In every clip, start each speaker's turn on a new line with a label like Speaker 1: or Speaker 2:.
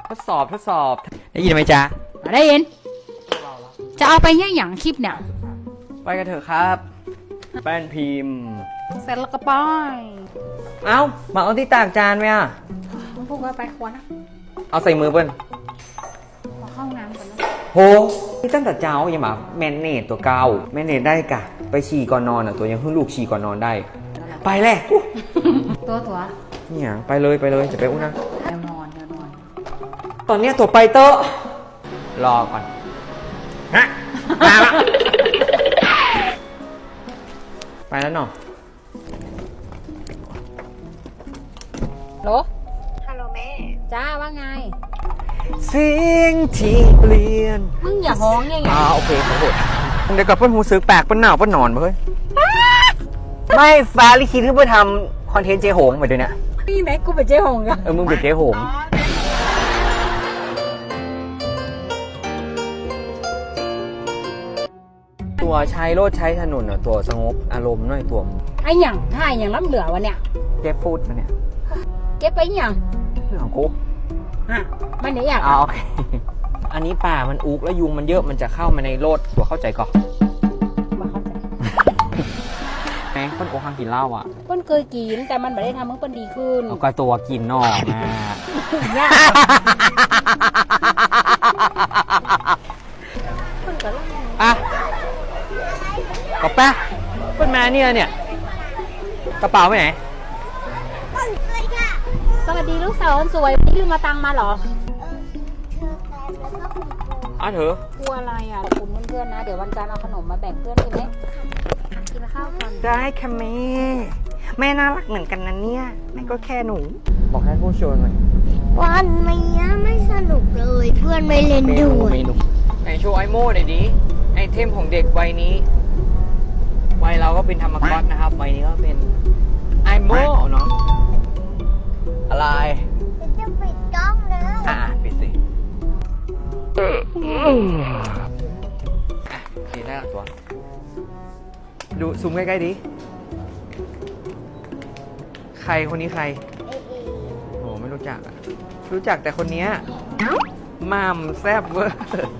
Speaker 1: ทดสอบได้ยินไหมจ๊ะ
Speaker 2: ได้ยินจะเอาไปเนี่ยอย่างคลิปเนี่ย
Speaker 1: ไปกันเถอะครับแป้นพิมพ์
Speaker 2: เสร็จแล้วก็ป้าย
Speaker 1: เอ้ามาเอาที่ตากจานไหมอ่ะ
Speaker 2: มึงพูดว่าไปควรนะ
Speaker 1: เอาใส่มือเปิ้ล
Speaker 2: ขอเข้าน้ำก่อนนะ
Speaker 1: โหที่ตั้งแต่เจ้ายังมาแมนเนตตัวเก่าแมนเนตได้กะไปฉี่ก่อนนอนอ่ะตัวยังเพิ่งลูกฉี่ก่อนนอนได้ไปแหละ
Speaker 2: ตัว
Speaker 1: เนี่ยไปเลยจะไปอุ้นนะ
Speaker 2: เดี๋ยวนอน
Speaker 1: ตอนนี้ตัวไปเตอะรอก่อนฮะมาละไปแล้วเนาะ
Speaker 2: โหล
Speaker 3: ฮัลโหลแม่
Speaker 2: จ้าว่าไง
Speaker 1: เสียงที่เปลี่ยน
Speaker 2: มึงอย่าฮ้องไง
Speaker 1: โอเคขอโทษเดี๋ยวกับเพื่อนหูซื้อแปลกเพื่อนหนาวเพื่อนนอนมาเฮ้ยไม่ฟ้าลิขิตคือเพื่อทำคอนเทนต์เจ๊หงไปด้วยเนี่ย
Speaker 2: นี่ไหนกูเป็นเจ๊หงกัน
Speaker 1: มึงเป็นเจ๊หงตัวใช้รถใช้ถนนตัวสงบอารมณ์หน่อยตัว
Speaker 2: ไอ้หยังถ้าอย่างล้ำเหลือวะเนี่ย
Speaker 1: เก็บฟูดมาเนี่ย
Speaker 2: เก็บไปหยัง
Speaker 1: เรื่องของกู
Speaker 2: มันไหนอย่าง
Speaker 1: โอเคอันนี้ป่ามันอุกแล้วยุงมันเยอะมันจะเข้ามาในรถตัวเข้าใจก่อน
Speaker 2: มาเข้าใจ
Speaker 1: แม่เปิ้ลโอคังกินเหล้าอ่ะ
Speaker 2: เปิ้ลเคยกินแต่มันไม่ได้ทำให้เปิ้ลดีขึ้น
Speaker 1: ก็ตัวกินนอกมาอ่ะกระเป๋าเปิ้ลมาเนี่ยกระเป๋าไปไหน
Speaker 2: สวัสดีลูกสาวสวยวันนี้ลืมมาตังมาหรอ
Speaker 1: เถอะ
Speaker 2: กลัวอะไรอ่ะกลุ่มเพื่อนๆนะเดี๋ยววันจันทร์เอาขนมมาแบ่งเพื่อนดีไหมกินข้าวกัน
Speaker 1: ได้ค่ะแม่น่ารักเหมือนกันนะเนี่ยแม่ก็แค่หนูบอกให้ผู้ชมหน่อย
Speaker 3: วันนี้ไม่สนุกเลยเพื่อนไม่เล่นด้วย
Speaker 1: ไหนโชว์ไอโม่หน่อยดิไอเทมของเด็กวัยนี้วัยเราก็เป็นธรรมก๊อตนะครับวัยนี้ก็เป็นไอโม่เนาะอะไร
Speaker 3: จะปิดกล้องเลย
Speaker 1: ปิดสิโอเคได้ตัวดูซูมใกล้ๆดิใครคนนี้ใครโอ้ไม่รู้จักอ่ะรู้จักแต่คนนี้ม่ามแซ่บเวอร์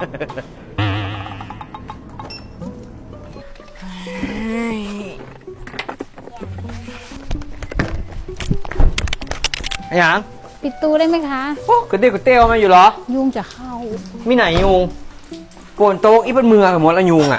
Speaker 1: อย่าง
Speaker 2: ปิดตู้ได้ไหมคะ
Speaker 1: โอ้กระเตี้ยวมาอยู่เหรอ
Speaker 2: ยุงจะเข้า
Speaker 1: มีไหนยุงโกนโต๊ะอีเป็นมือกับหมดแล้วยุงอ่ะ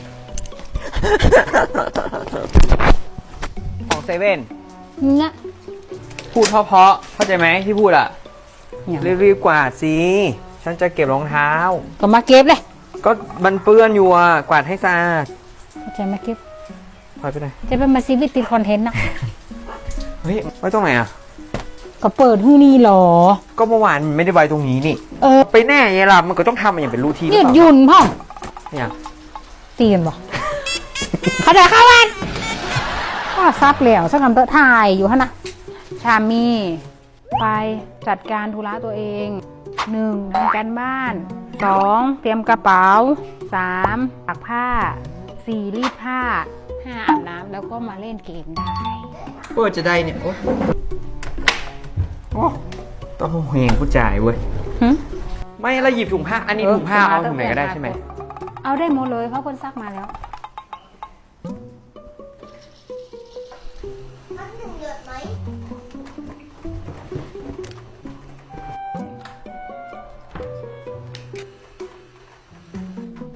Speaker 1: ของเซเว่น
Speaker 2: เนี่ย
Speaker 1: พูดเพราะเข้าใจไหมที่พูดอ่ะรีบกวาดสิฉันจะเก็บรองเท้า
Speaker 2: ก็มาเก็บเลย
Speaker 1: ก็มันเปื้อนอยู่อ่ะกวาดให้สะอาด
Speaker 2: เข้าใจมาเก็บ
Speaker 1: พอไปไหน
Speaker 2: จะเป็นมาซีวิตติดคอนเทนต์นะ
Speaker 1: เฮ้ยไว้ตรงไหนอ่ะ
Speaker 2: ก็เปิดที่นี่หรอ
Speaker 1: ก็เมื่อวานไม่ได้ไว้ตรงนี้นี่ไปแน่ไงล่ะมันก็ต้องทำอย่างเป็นรูทีน
Speaker 2: ยืดยุ่นพ่อ
Speaker 1: เนี่ย
Speaker 2: ตีกันบอกเขาเดินเข้าวันก็ซับเหลวสักคำเตอะถ่ายอยู่ฮะนะชามีไปจัดการธุระตัวเอง1ทำการบ้าน2เตรียมกระเป๋า3ตักผ้า4รีดผ้า5อาบน้ำแล้วก็มาเล่นเกมได้
Speaker 1: จะได้เนี่ยโอ้ต้องเฮงผู้จ่ายเว้ยไม่แล้วหยิบถุงผ้าอันนี้ถุงผ้าเอาถุงไหนก็ได้ใช่ไหม
Speaker 2: เอาได้หมดเลยเพราะคนซักมาแล้ว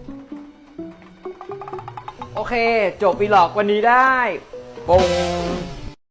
Speaker 1: โอเคจบวีล็อกวันนี้ได้ปง